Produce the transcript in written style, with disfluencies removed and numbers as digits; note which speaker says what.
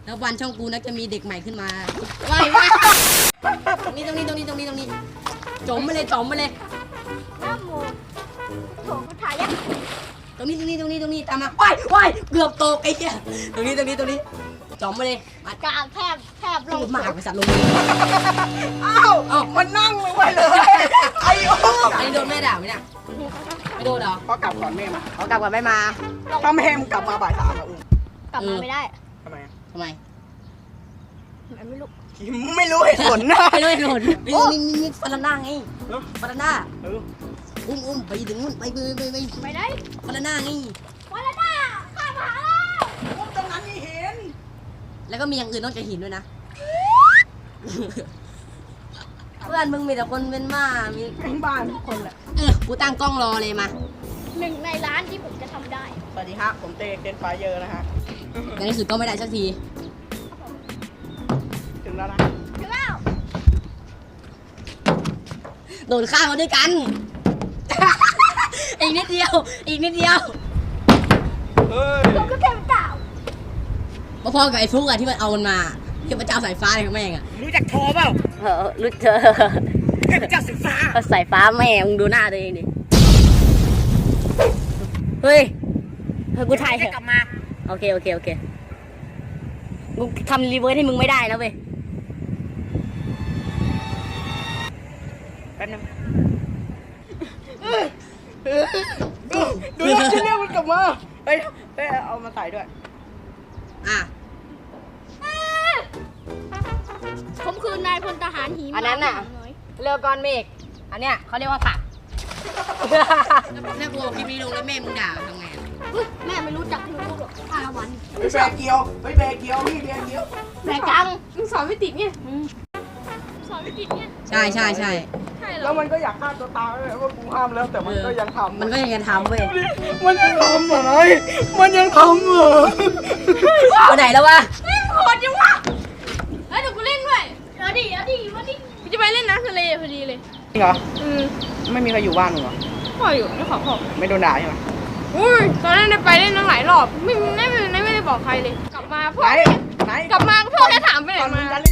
Speaker 1: แล้ววันช่องกูนะจะมีเด็กใหม่ขึ้นมาว้ายตรงนี้จมไปเลย
Speaker 2: น้ำมูกโถกูถ่ายยัง
Speaker 1: ตรงนี้ตามมาว้ายเกือบตกไอ้เหี้ยตรงนี้จมไปเลยมาก
Speaker 2: ลางแทบล
Speaker 1: พู
Speaker 2: ง
Speaker 1: ดมากไปสัตว์ลงมือ
Speaker 3: อ้าวมันนั่งลงไปเลยไอ้โอ้
Speaker 1: อันนี้โดนแม่ด่าไหมเนี่ยไม่โดนเหรอ
Speaker 3: พอกลับก่อนแม่มา
Speaker 1: เขากลับกันไม่มา
Speaker 3: ถ้าแม่มึงกลับมาบ่าย 3อ่ะอุ้ม
Speaker 2: กลับมาไม่ได้
Speaker 3: ทำไม
Speaker 1: ทำไม
Speaker 2: ไม่รู้
Speaker 3: ไม่รู้เหตุผลนะ
Speaker 1: ไม่โดนมีฟาราน่าไงฟาราน่า
Speaker 3: เออ
Speaker 1: อุ้มไปถึงนู่นไป
Speaker 2: ไม่ได้
Speaker 1: ฟาราน่าไง
Speaker 2: วันละหน้าข้ามาแล้ว
Speaker 3: อุ้มตรงนั้นนี่เห็น
Speaker 1: แล้วก็มีอย่างอื่นนอกจากหินด้วยนะเพื่อนมึงมีแต่คนเป็นบ้ามี
Speaker 3: ทั้งบ้านทุกคนแหละ
Speaker 1: กูตั้งกล้องรอเลยมา
Speaker 2: 1 ในล้านที่ผมจะทำได้
Speaker 3: สวัสดีฮะผมเต้นไฟเยอร์นะฮะ
Speaker 1: ในที่สุดก็ไม่ได้สักที
Speaker 3: ถึงแล้วนะ
Speaker 2: ถึงแล้ว
Speaker 1: โดนฆ่ามาด้วยกัน อีกนิดเดียว
Speaker 3: เฮ้ย
Speaker 2: ผมก็เต็มเก่า
Speaker 1: พอๆกับไอ้ฟลุกอะที่มันเอามันมาเทพเจ้าสายฟ้าอะไรของแม่งอะ
Speaker 3: รู้จักโทรเปล่า
Speaker 1: รู้เธอ
Speaker 3: เทพเจ้าสีฟ้า
Speaker 1: สายฟ้าแม่มึงดูหน้าตัวเองดิเฮ้ยกูถ่ายเถ
Speaker 3: จะ
Speaker 1: อะ
Speaker 3: กลับมา
Speaker 1: โอเคกูทำรีเวิร์สให้มึงไม่ได้นะเว้ย
Speaker 3: แป๊บนึงดูนะที่เรียกมันกลับมาเฮ้ยเอามาใส่ด้วย
Speaker 1: อ่ะ
Speaker 2: ผมคือนายพลทหารหี
Speaker 1: อันนั้นน่ะ
Speaker 2: น้อย
Speaker 1: เรือก้อนเมฆอันเนี้ยเขาเรียกว่าผักถ้ากูเอาคลิปนี้ลงแล้วแม่มึงด่าทำไง
Speaker 2: อุ๊ยแม่ไม่รู้จักหนูหรอก5 วัน
Speaker 3: แบกเกียวพี่แบกเกียว
Speaker 2: แม่จัง
Speaker 4: มึงสอนไม่ติดไง
Speaker 2: สอนไม่ติดเนี่ย
Speaker 1: ใช่
Speaker 4: ใช่เหร
Speaker 3: แล้
Speaker 4: อ
Speaker 3: วมันก็อยากฆ่าตัวตายเลยว่ากูห้ามแล้วแต่มันก็ยังทำ
Speaker 1: มันก็ยังจะทำเว้ย
Speaker 3: มันยังทำเหรอมันยังทำเหรอ
Speaker 1: ไปไหนแล้ววะ
Speaker 4: โหดจังวะเฮ้ยเดี๋ยวกูเล่นด้วย
Speaker 2: เอาดิมาดิ
Speaker 4: กูจะไปเล่นน้ำทะเลพอดีเลย
Speaker 3: จริงเหรอ
Speaker 4: อืม
Speaker 3: ไม่มีใครอยู่บ้านมึงเหรอ
Speaker 4: พ่ออยู่ไม่ขอพ่อ
Speaker 3: ไม่โดนด่าใช่ไหม
Speaker 4: อุ้ยตอนนั้นได้ไปเล่นตั้งหลายรอบไม่ได้บอกใครเลย กลับมาพ่อ
Speaker 3: ไหน
Speaker 4: กลับมาพ่อแค่ถามไปไหน
Speaker 3: ตอนมึ
Speaker 4: มาง
Speaker 3: จะเล่น